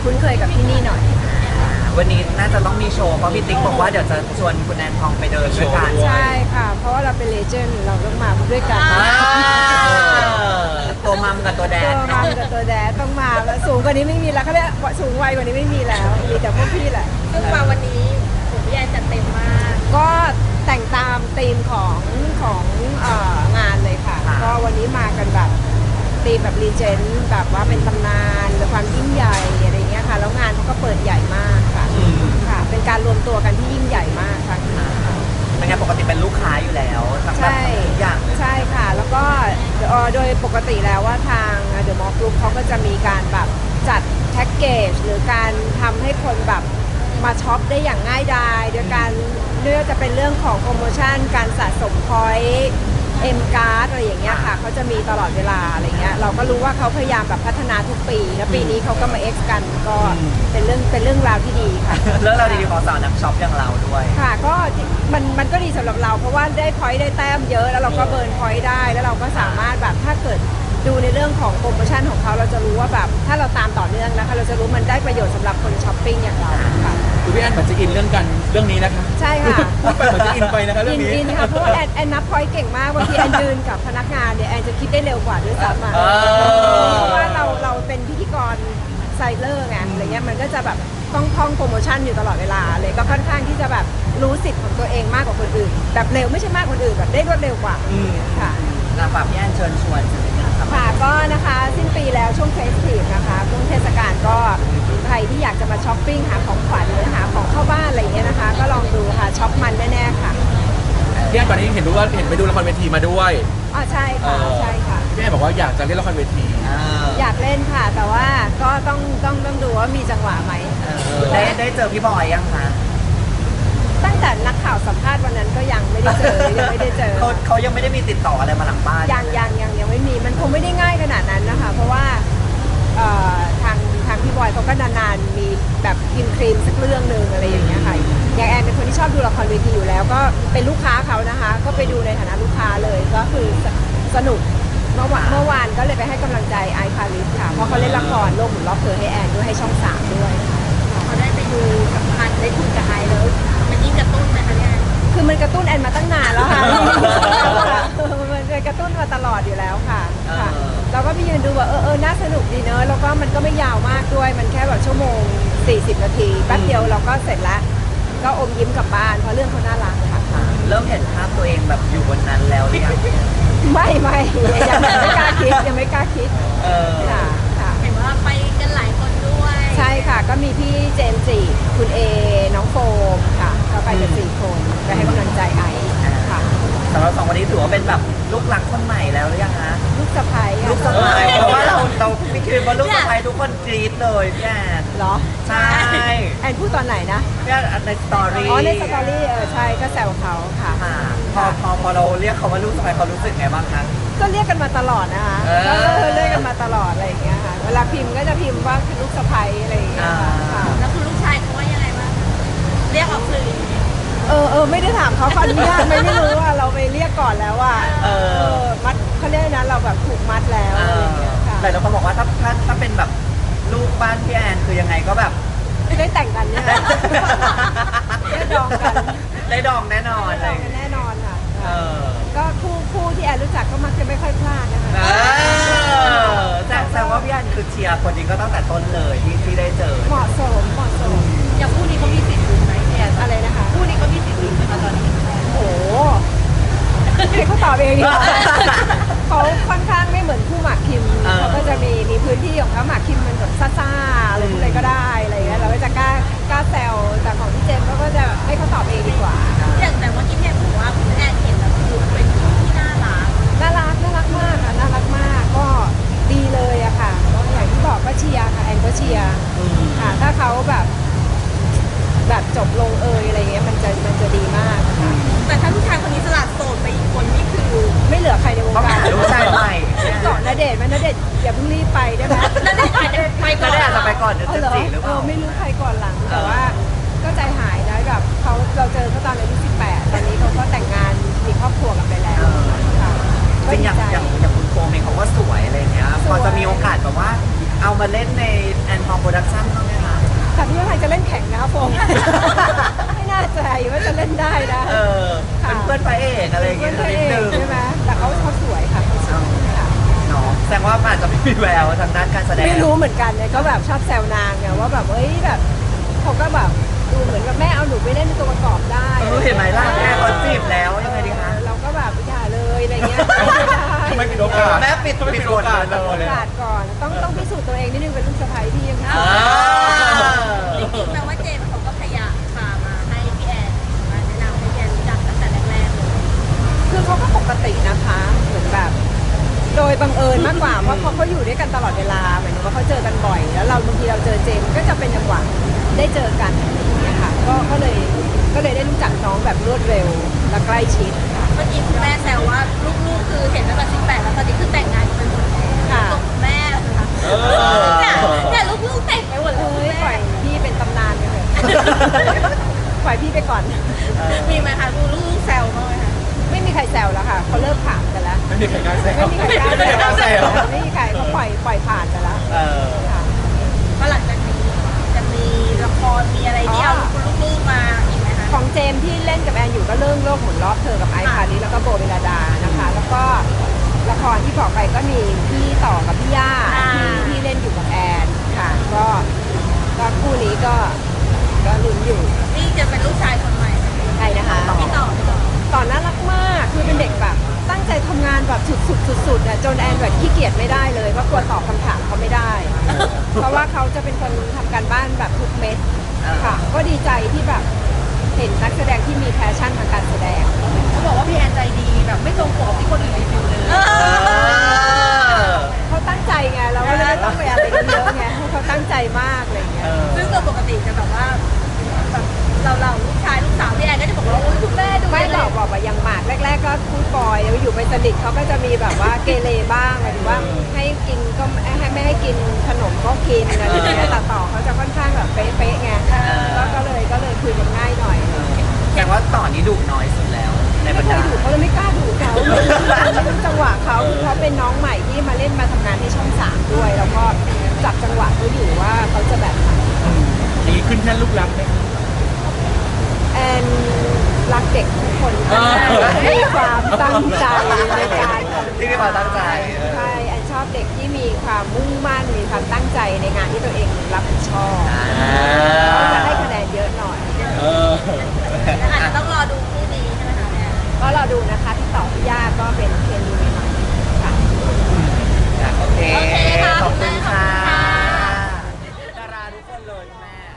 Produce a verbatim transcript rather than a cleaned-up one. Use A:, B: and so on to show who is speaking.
A: คุ้นเคยกับที่นี่หน่อย
B: วันนี้น่าจะต้องมีโชว์เพราะพี่ติ๊กบอกว่าเดี๋ยวจะชวนคุณแอนทองไปเดินด้วยกัน
A: ใช่ค่ะเพราะว่าเราเป็นเลเจนด์เราต้องมาด้วยกัน
B: ตัวมัมกับตัวแดด
A: ตัวมัมกับตัวแดดต้องมาแล้วสูงกว่านี้ไม่มีแล้วเขาเรียกสูงวัยกว่านี้ไม่มีแล้วมีแต่พวกพี่แหละ
C: ซึ่งมาวันนี้ผมพี่แอนจัดเต็มมาก
A: ก็แต่งตามธีมของของเอ่องานเลยค่ะก็วันนี้มากันแบบธีมแบบรีเจนต์แบบว่าเป็นตำนานหรือความยิ่งใหญ่อะไรเงี้ยค่ะแล้วงานเขาก็เปิดใหญ่มากค่ะค่ะเป็นการรวมตัวกันที่ยิ่งใหญ่มากค่ะ
B: เป็นไงปกติเป็นลูกค้าอยู่แล้วทั้งแบบทุกอย่างเลย
A: ใช่ค่ะแล้วก็โดยปกติแล้วว่าทางเดอะมอลล์กรุ๊ปเขาก็จะมีการแบบจัดแพ็กเกจหรือการทำให้คนแบบมาช็อปได้อย่างง่ายดายโดยการเลือกจะเป็นเรื่องของโปรโมชั่นการสะสมพอยต์เอ็มการ์ดอะไรอย่างเงี้ยค่ะเขาจะมีตลอดเวลาอะไรเงี้ยเราก็รู้ว่าเขาพยายามแบบพัฒนาทุกปีแล้วปีนี้เขาก็มาเอ็กซ์กันก็เป็นเรื่องเป็นเรื่องราวที่ดีค่ะ
B: เรื่องราวดีๆของสาวนักช็อปอย่างเราด้วย
A: ค่ะก็มันมันก็ดีสำหรับเราเพราะว่าได้พอยต์ได้แต้มเยอะแล้วเราก็เบิร์นพอยต์ได้แล้วเราก็สามารถแบบถ้าเกิดดูในเรื่องของโปรโมชั่นของเขาเราจะรู้ว่าแบบถ้าเราตามต่อเนื่องนะคะเราจะรู้มันได้ประโยชน์สำหรับคนช้อปปิ้งอย่างเราค่ะ
D: คือพี่แอนเหมือนจะอินเรื่องกันเรื่องนี้นะคะ
A: ใช่ค่ะ
D: เหมือนจะอินไปนะคะเรื่องนี้
A: อินค่ะเพราะว่าแอนแอนนับพอยต์เก่งมากบางทีแอนยืนกับพนักงานเนี่ยแอนจะคิดได้เร็วกว่าด้วยซ้ำอ่ะเพราะว่าเราเราเป็นพิธีกรไซเลอร์ไงอะไรเงี้ยมันก็จะแบบต้องท่องโปรโมชั่นอยู่ตลอดเวลาเลยก็ค่อนข้างที่จะแบบรู้สิทธิ์ของตัวเองมากกว่าคนอื่นแบบเร็วไม่ใช่มากคนอื่นแบบได้รวดเร็วกว่าค่ะ
B: ฝากพี่แอนเชิญชวน
A: ค่ะก็นะคะสิ้นปีแล้วช่วงเฟสทีฟนะคะช่วงเทศกาลก็ใครที่อยากจะมาช้อปปิ้งหาของขวัญหรือหาของเข้าบ้านอะไรอย่างเงี้ยนะคะก็ลองดูค่ะช็อปมันแน่ๆค่ะ
D: พี่แอนก่อนนี้เห็นดูว่าเห็นไปดูละครเวทีมาด้วย
A: อ๋อใช่ค่ะใช่ค่ะ
D: พี่แอนบอกว่าอยากจะเล่นละครเวที
A: อยากเล่นค่ะแต่ว่าก็ต้องต้องต้องดูว่ามีจังหวะไหม
B: ได้ได้เจอพี่บอยยังคะ
A: ตั้งแต่นักข่าวสัมภาษณ์วันนั้นก็ยังไม่ได้เจอยังไม่ได้เจอ
B: เขาเขายังไม่ได้มีติดต่ออะไรมาหลังบ้าน
A: ยังยังยังยังไม่มีมันคงไม่ได้ง่ายขนาดนั้นนะคะเพราะว่าทางทางพี่บอยเขาก็นานๆมีแบบกินครีมสักเรื่องหนึ่งอะไรอย่างเงี้ยค่ะอย่างแอนเป็นคนที่ชอบดูละครเวทีอยู่แล้วก็เป็นลูกค้าเขานะคะก็ไปดูในฐานะลูกค้าเลยก็คือสนุกเมื่อวานเมื่อวานก็เลยไปให้กำลังใจไอซ์พาริสค่ะเพราะเขาเล่นละครโลกหมุนรอบเธอให้แอนด้วยให้ช่องสามด้วย
C: เขาได้ไปดูกับพันได้คุยกับไอซ์แล้วมันยิ่งกระตุ้นไหมคะเนี่ย
A: คือมันกระตุ้นแอนมาตั้งนานแล้วค่ะมันกระตุ้นมาตลอดอยู่แล้วค่ะค่ะเราก็ไปยืนดูว่าเออเออน่าสนุกดีเนอะแล้วก็มันก็ไม่ยาวมากด้วยมันแค่แบบชั่วโมงสี่สิบนาทีแป๊บเดียวเราก็เสร็จแล้วก็อมยิ้มกลับบ้านเพราะเรื่องเขาน่ารักค่ะ
B: เริ่มเห็นภาพตัวเองแบบอยู่บนนั้นแล้วหรือยัง
A: ไม่ไม่ยังไม่กล้าคิดยังไม่กล้าคิดค่ะค่ะ
C: เห็นว่าไปกันหลายคนด้วย
A: ใช่ค่ะก็มีพี่เจมส์จีคุณเอน้องโฟมค่ะก็ไปกันสี่คนไปให้กำลังใจไอซ์ค่ะ
B: สำหรับสองวันนี้ถือว่าเป็นแบบลูกหลักคนใหม่แล้วหรือยังคะ
A: ลูกสะใภ้
B: ลูกสะใภ้เพราะว่าเราเราไม่คิดว่าลูกสะใภ้ทุกคนกรี๊ดเลยพี่แอน
A: เหรอ
B: ใช่
A: แอนพูดตอนไหนนะ
B: พี่แอนในสตอรี่
A: อ๋อในสตอรี่เออใช่ก็แซวเขาค่ะ
B: พอพอพอเราเรียกเขาว่าลูกสะใภ้เขารู้สึกไงบ้างคะ
A: ก็เรียกกันมาตลอดนะคะก็เรียกกันมาตลอดอะไรอย่างเงี้ยค่ะเวลาพิมพ์ก็จะพิมพ์ว่าคือลูกสะใภ้อะไรอย่างเงี้ยค่ะ
C: แล้วคุณลูกชายเขาว่ายังไงบ้างเรียกออกสื่อ
A: เออเออไม่ได้ถามเขาขออนุญาตไม่ไม่รู้ว่าเราไปเรียกก่อนแล้วว่าเออมัดเขาเรียกนะเราแบบถูกมัดแล้วอะไรอย่างเงี้ยค่ะ
B: แต่เราเขาบอกว่าถ้าถ้าถ้าเป็นแบบลูกบ้านพี่แอนคือยังไงก็แบบ
A: ได้แต่งกันเนี่ยได้ดองกัน
B: ได้ดองแน่นอน
A: เลยแน่นอนค่ะก็คู่คู่ที่แอนรู้จักก็มักจะไม่ค่อยพลาดนะคะ
B: แต่แสดงว่าพี่แอนคือเชียร์คนนี้ก็ตั้งแต่ต้นเลยที่ที่ได้เจอ
A: เหมาะสมเหมาะสม
C: อย่างคู่นี้เขามีสิทธิ์ไหมแอน
A: อะไรนะคะ
C: คู่นี้เขามีสิทธิ์ไหมคะตอนนี้
A: โอ้ให้เขาตอบเองดีกว่าเขาค่อนข้างไม่เหมือนคู่หมากคิมเขาก็จะมีมีพื้นที่ของเขาหมากคิมมันแบบซ่าๆอะไรอะไรก็ได้อะไรเงี้ยเราก็จะกล้ากล้าแซวแต่ของพี่เจมส์ก็จะให้เขาตอบเองดีกว่า
C: อย่างแต่เมื่อกี้แอนบอกว่าคุณแอนเห็นแล้วคือเป็นคู่ที่น่ารัก
A: น่ารักน่ารักมากค่ะน่ารักมากก็ดีเลยอะค่ะอย่างที่บอกก็เชียร์ค่ะแอนก็เชียร์ค่ะถ้าเขาแบบแบบจบลงเอยอะไรเงี้ยมันจะมันจะดีมากค่ะ
C: แต่ถ้าผู้ชายคนนี้สลัดโสดไปอีกคนนี่คือ
A: ไม่เหลือใครในวงการ
B: ลูกชายใหม่
A: เกาะณเดชน์ไหมณเดชน์อย่าเพิ่งรีบไปได้ไหม
C: ณเดชน์อาจจะไปก่อน
B: ณเดชน์อาจจะไปก่อนเดี๋ยวจะจีหรือเปล่า
A: ไม่รู้ใครก่อนหลังแต่ว่าก็ใจหายนะแบบเขาเราเจอเขาตอนอายุสิบแปดตอนนี้เขาก็แต่งงานมีครอบครัวกันไปแล้ว
B: จริงอย่างอย่างอย่างคุณโฟมเองเขาก็สวยอะไรเงี้ยพอจะมีโอกาสแบบว่าเอามาเล่นในแอนทองโปรดักชั่นบ้างไหมคะ
A: แต่พี่ว่าใครจะเล่นแข่งนะครับผม ไม่น่าใจว่าจะเล่นได้นะ
B: เออเป็นเพื่อนพระเอกอะไรอย่าง
A: เพื่
B: เงี้
A: อย นพระ
B: นิ
A: เอ
B: ดนึ
A: ก
B: ง
A: ใช่ไหมแต่เขาเขาสวยค่ะเขาสวยค่ะ
B: เนาะแสดงว่าอาจจะไม่มีแววทางด้านการแสดง
A: ไม่รู้เหมือนกันเนี่ยก็แบบชอบแซวนางไงว่าแบบเอ้ยแบบเขาก็แบบดูเหมือนกับแม่เอาหนูไปเล่นเป็นตัวประกอบได้
B: เออเห็นไหมล่ะแม่เขาจีบแล้วยังไงดีคะ
A: เราก็แบบอย่าเลยอะไรเงี้ยไม่ได้
D: ไม่มีโอกาส
B: แม่ปิด
D: ไม่
B: ปิ
D: มี
B: ด
D: โอกาส
B: เล
A: โอย กาสก่อนต้องต้องพิสูจน์ตัวเองนิดนึงเป็นลูกสะใภ้พี่ยัง
B: อ่า
C: จริงๆแปลว่าเจมส์เขาก็พยายามพามาให้พี่แอนมาแนะนำให้พี่แอนรู้จักตั้งแต่แรกๆเลย
A: คือเขาก็ปกตินะคะเหมือนแบบ โดยบังเอิญมากกว่าเพราะเขาเขาอยู่ด้วยกันตลอดเวลาหมายถึงว่าเขาเจอกันบ่อย แล้วเราบางทีเราเจอเจมส์ก็จะเป็นจังหวะได้เจอกันอะไรอย่างเงี้ยค่ะก็ก็เลยก็เลยได้รู้จักน้องแบบรวดเร็วและใกล้ชิดค่ะ
C: เมื่อกี้คุณแม่แซวว่าลูกๆคือเห็นตั้งแต่สิบแปดแล้วตอนนี้คือแต่งงานกันไปหมดแล้ว
A: ค่ะ
C: ตัวคุณแม่นะคะ
D: เออ
C: เนี่ยเนี่ยลูกๆแต่งไปหมดแล้ว
A: เอ้
C: คุณ
A: ยปล่
C: แม่
A: อยพี่เป็นตำนานไปเถอะ ปล่อยพี่ไปก่อน
C: มีไหมคะดูลูกๆแซวบ้างไหมคะ
A: ไม่มีใครแซวแล้วค่ะเขาเลิกถามกันแล้ว
D: ไม่มีใครกล้าแซว
A: ไม่มีใครกล้า
D: ไม่มีใครกล้าแซว
A: ไม่มีใครเขาปล่อยปล่อยผ่านไปแล้ว
B: เออ
A: ค่ะ
C: ว่าหลังจากนี้จะมีละครมีอะไรที่เอาลูกๆมาอีกไหมคะ
A: ของเจมส์ที่เล่นกับแอนอยู่ก็เรื่องโลกหมุนรอบเธอกับไอซ์พาริสแล้วก็โบเวลาดานะคะ แล้วก็ละครที่บอกไปก็มีพี่ต่อกับพี่ย่าที่ที่เล่นอยู่กับแอนค่ะ ก็ก็คู่นี้ก็ก็ลุ้นอยู่
C: นี่จะเป็นลูกชายคนใหม่
A: ใครนะคะ
C: พี่ต่อพี่ต่อ
A: ต่อน่ารักมากคือเป็นเด็กแบบตั้งใจทำงานแบบสุดๆสุดๆอ่ะจนแอนแบบขี้เกียจไม่ได้เลยเพราะกลัวตอบคำถามเขาไม่ได้ เพราะว่าเขาจะเป็นคนทำการบ้านแบบทุกเม็ดค่ะ ก็ดีใจที่แบบเห็นนักแสดงที่มีแพชชั่นทางการแสดง
C: เขาบอกว่าพี่แอนใจดีแบบไม่ตรงปกที่คนอื่นรีวิวเลย
B: เออ
A: เขาตั้งใจไงเราก็เลยไม่ต้องไปอะไรกันเยอะไงให้เขาตั้งใจมากอะไรอย่างเงี้
B: เอย อ
C: ซึ่งโดยปกติจะแบบว่าแบบเราเราลูกชายลูกสาวพี่แอนก็จะบอกว่าโอ้ยคุณแม่ดู
A: ไม่
C: เล
A: บอย กบอกว่ายังหมากแรก ๆ ก็พูดปล่อยแล้วอยู่ไปสนิทเขาก็จะมีแบบว่าเกเรบ้างหมายถึงว่าให้กินก็ไม่ให้ไม่ให้กินขนมก็กินอะไรอย่างเงี้ยแต่ต่อเขาจะค่อนข้างแบบเป๊ะๆไงก็ก็เลยก็เลยคุยกันง่ายหน่อย
B: แสดงว่าต่อนนี้ดุน้อยสุดแล้ว ในบร
A: ไม่
B: ร
A: เค
B: ดาย
A: ดุเขาเลยไม่กล้าดุเขาไม่รู้จังหวะเขาคือเขาเป็นน้องใหม่ที่มาเล่นมาทำงานที่ช่องสามด้วย แล้วก็จับจังหวะเขาอยู่ว่าเขาจะแบบไหน
D: อย่างนี้ขึ้นแค่ลูกรักไหม
A: แอนรักเด็กทุกคน
D: เออ
A: มีความตั้งใจในการทำงาน
B: ที่มีความตั้งใจ
A: ใช่แอนชอบเด็กที่มีความมุ่งมั่นมีความตั้งใจในงานที่ตัวเองรับผิดชอบเขาจะให้คะแนนเยอะหน่อย
D: เออ
C: อาจจะต้องรอดูคู่นี้ใช่ไหมคะแม่
A: ก็รอดูนะคะพี่ต่อพี่ย่าก็เป็นเคมีใหม่ๆค่ะ
B: โอเค
C: โอเคค่ะ
B: ขอบคุณค่ะ
C: ขอบคุณค่ะ
B: ดาราทุกคนเลยแม่